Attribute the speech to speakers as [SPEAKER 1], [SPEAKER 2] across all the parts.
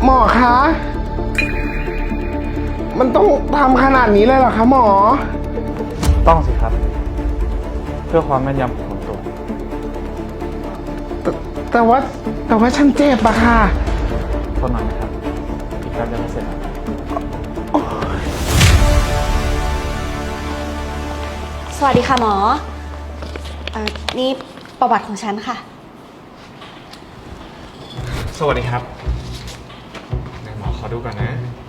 [SPEAKER 1] หมอคะ มันต้องทำขนาดนี้เลยเหรอคะหมอ
[SPEAKER 2] ต้องสิครับ เพื่อความแม่นยำของผลตรวจ
[SPEAKER 1] แต่ว่าฉันเจ็บอะค่ะ
[SPEAKER 2] ทนหน่อยนะครับ อีกแป๊บเดียวก็เสร็จแล้ว
[SPEAKER 3] สวัสดีค่ะหมอนี่ประวัติของฉันค่ะ
[SPEAKER 2] สวัสดีครับไหนหมอขอดูก่อนนะ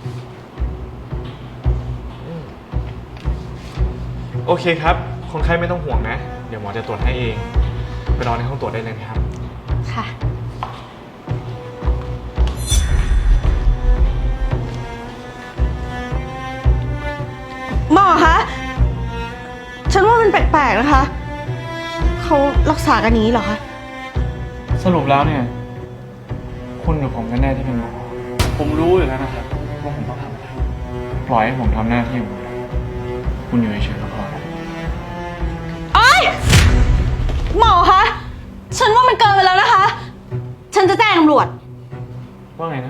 [SPEAKER 2] โอเคครับ คนไข้ไม่ต้องห่วงนะ เดี๋ยวหมอจะตรวจให้เอง ไปรอในห้องตรวจได้เลยนะครับ
[SPEAKER 3] ค่ะ หมอคะ ฉันว่ามันแปลกๆนะคะ เขารักษากันนี้เหรอคะ
[SPEAKER 2] สรุปแล้วเนี่ย คุณกับผมกันแน่ที่เป็นหมอ ผมรู้อยู่แล้วนะครับว่าผมต้องทำอะไร ปล่อยให้ผมทำหน้าที่ของผมคุณอยู่เฉยๆก็พอแล้ว
[SPEAKER 3] โอ๊ยหมอคะ ฉันว่ามันเกินไปแล้วนะคะ ฉันจะแจ้งตำรวจ
[SPEAKER 2] ว่าไงนะ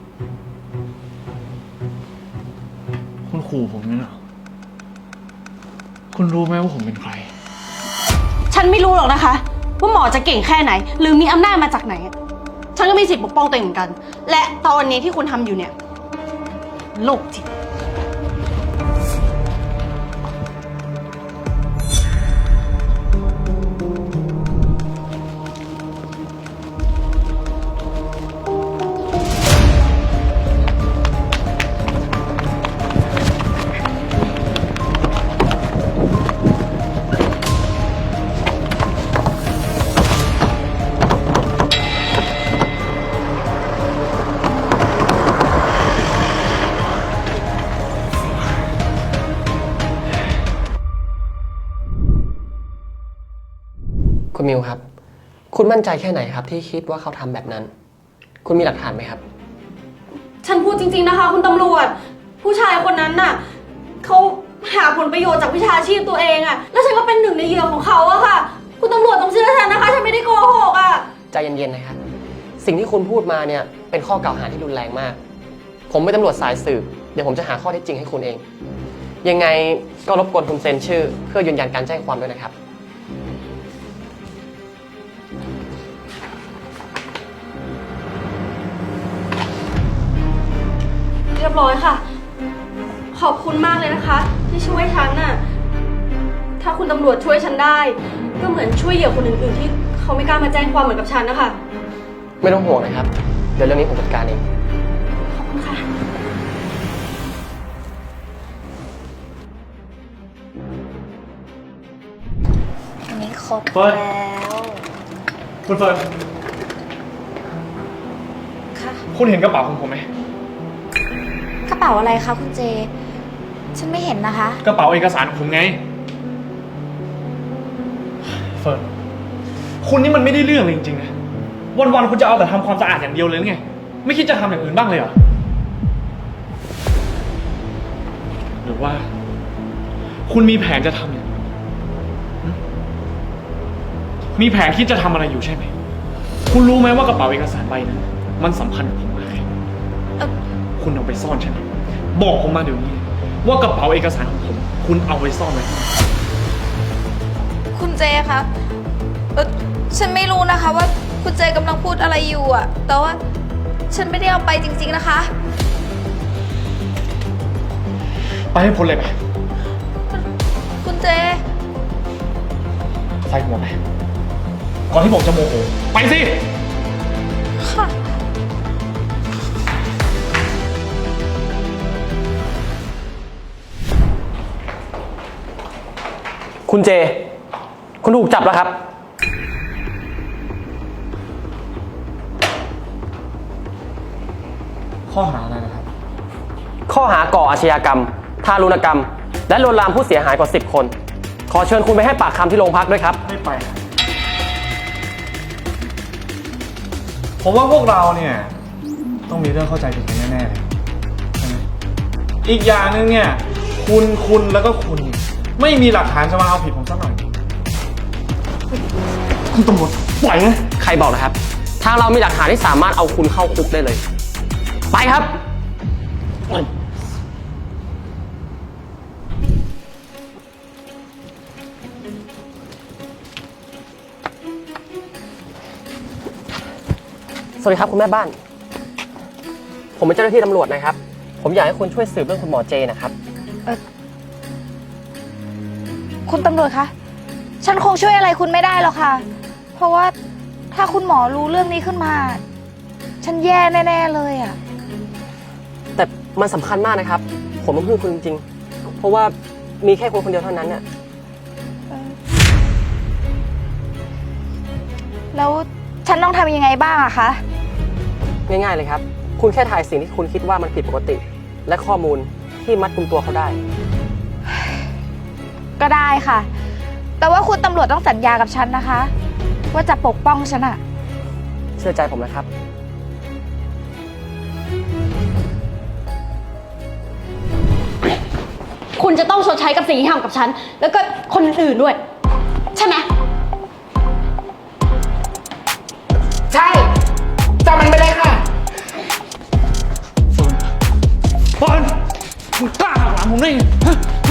[SPEAKER 2] คุณขู่ผมเนี่ยเหรอ คุณรู้ไหมว่าผมเป็นใคร
[SPEAKER 3] ฉันไม่รู้หรอกนะคะ ว่าหมอจะเก่งแค่ไหน หรือมีอำนาจมาจากไหน ฉันก็มีสิทธิ์ปกป้องตัวเองเหมือนกัน และตอนนี้ที่คุณทำอยู่เนี่ยโลกจิต
[SPEAKER 4] คุณมิวครับ คุณมั่นใจแค่ไหนครับที่คิดว่าเขาทำแบบนั้น คุณมีหลักฐานไหมครับ
[SPEAKER 3] ฉันพูดจริงๆนะคะ คุณตำรวจ ผู้ชายคนนั้นน่ะเขาหาผลประโยชน์จากวิชาชีพตัวเองอะแล้วฉันก็เป็นหนึ่งในเหยื่อของเขาอะค่ะ คุณตำรวจต้องเชื่อฉันนะคะ ฉันไม่ได้โกหกอะ
[SPEAKER 4] ใจเย็นๆนะครับ สิ่งที่คุณพูดมาเนี่ยเป็นข้อกล่าวหาที่รุนแรงมาก ผมเป็นตำรวจสายสืบ เดี๋ยวผมจะหาข้อเท็จจริงให้คุณเอง ยังไงก็รบกวนคุณเซ็นชื่อ เพื่อยืนยันการแจ้งความด้วยนะครับ
[SPEAKER 3] เรียบร้อยค่ะ ขอบคุณมากเลยนะคะ ที่ช่วยฉันน่ะ ถ้าคุณตำรวจช่วยฉันได้ ก็เหมือนช่วยเหยื่อคนอื่นๆที่เขาไม่กล้ามาแจ้งความเหมือนกับฉันนะคะ
[SPEAKER 4] ไม่ต้องห่วงนะครับ เดี๋ยวเรื่องนี้ผมจัดการเอง
[SPEAKER 3] ขอบคุณค่ะ
[SPEAKER 5] อันนี้ครบ
[SPEAKER 2] เฟิร์น
[SPEAKER 5] แล้ว
[SPEAKER 2] คุณเฟิร์น
[SPEAKER 5] ค่ะ
[SPEAKER 2] คุณเห็นกระเป๋าของผมไหม
[SPEAKER 5] กระเป๋าอะไรคะคุณเจ ฉันไม่เห็นนะคะ
[SPEAKER 2] กระเป๋าเอกสารของผมไง เฟิร์น คุณนี่มันไม่ได้เรื่องเลยจริงๆนะ วันๆคุณจะเอาแต่ทำความสะอาดอย่างเดียวเลยหรือไง ไม่คิดจะทำอย่างอื่นบ้างเลยเหรอ หรือว่า คุณมีแผนจะทำอย่างอื่นมีแผนคิดจะทำอะไรอยู่ใช่ไหม คุณรู้ไหมว่ากระเป๋าเอกสารใบนั้นมันสำคัญกับผมมากเลยคุณเอาไปซ่อนใช่ไหม บอกผมมาเดี๋ยวนี้ ว่ากระเป๋าเอกสารของผม คุณเอาไว้ซ่อนไว้ที่ไหน
[SPEAKER 5] คุณเจคะฉันไม่รู้นะคะว่าคุณเจกำลังพูดอะไรอยู่อะแต่ว่าฉันไม่ได้เอาไปจริงๆนะคะ
[SPEAKER 2] ไปให้พ้นเลยไป
[SPEAKER 5] คุณเจ
[SPEAKER 2] ใส่หัวไป ก่อนที่ผมจะโมโห ไปสิ
[SPEAKER 5] ค่ะ
[SPEAKER 4] คุณเจ คุณถูกจับแล้วครับ
[SPEAKER 2] ข้อหาอะไรนะครับ
[SPEAKER 4] ข้อหาก่ออาชญากรรม ทารุณกรรม และลวนลามผู้เสียหายกว่า 10 คน ขอเชิญคุณไปให้ปากคำที่โรงพักด้วยครับ
[SPEAKER 2] ไม่ไป ผมว่าพวกเราเนี่ย ต้องมีเรื่องเข้าใจผิดกันแน่ๆเลยใช่ไหมอีกอย่างหนึ่งเนี่ย คุณแล้วก็คุณ ไม่มีหลักฐานจะมาเอาผิดผมสักหน่อยคุณตำรวจปล่อยนะ
[SPEAKER 4] ใครบอกนะครับ ทางเรามีหลักฐานที่สามารถเอาคุณเข้าคุกได้เลยไปครับ สวัสดีครับคุณแม่บ้าน ผมเป็นเจ้าหน้าที่ตำรวจนะครับ ผมอยากให้คุณช่วยสืบเรื่องคุณหมอเจนะครับ
[SPEAKER 5] คุณตำรวจคะ ฉันคงช่วยอะไรคุณไม่ได้หรอกค่ะ เพราะว่าถ้าคุณหมอรู้เรื่องนี้ขึ้นมา ฉันแย่แน่ๆเลยอะ
[SPEAKER 4] แต่มันสำคัญมากนะครับ ผมต้องพึ่งคุณจริงๆ เพราะว่ามีแค่คนคนเดียวเท่านั้นน่ะ
[SPEAKER 5] แล้วฉันต้องทำยังไงบ้างอะคะ
[SPEAKER 4] ง่ายๆเลยครับ คุณแค่ถ่ายสิ่งที่คุณคิดว่ามันผิดปกติ และข้อมูลที่มัดกุมตัวเขาได้
[SPEAKER 5] ก็ได้ค่ะ แต่ว่าคุณตำรวจต้องสัญญากับฉันนะคะ ว่าจะปกป้องฉันอะ
[SPEAKER 4] เชื่อใจผมนะครับ
[SPEAKER 3] คุณจะต้องชดใช้กับสิ่งที่ทำกับฉัน แล้วก็คนอื่นๆด้วย ใช่ไหม
[SPEAKER 1] ใช่จับมันไปเลยค่ะ
[SPEAKER 2] เฟิร์นมึงกล้าหักหลังผมได้ไงฮะ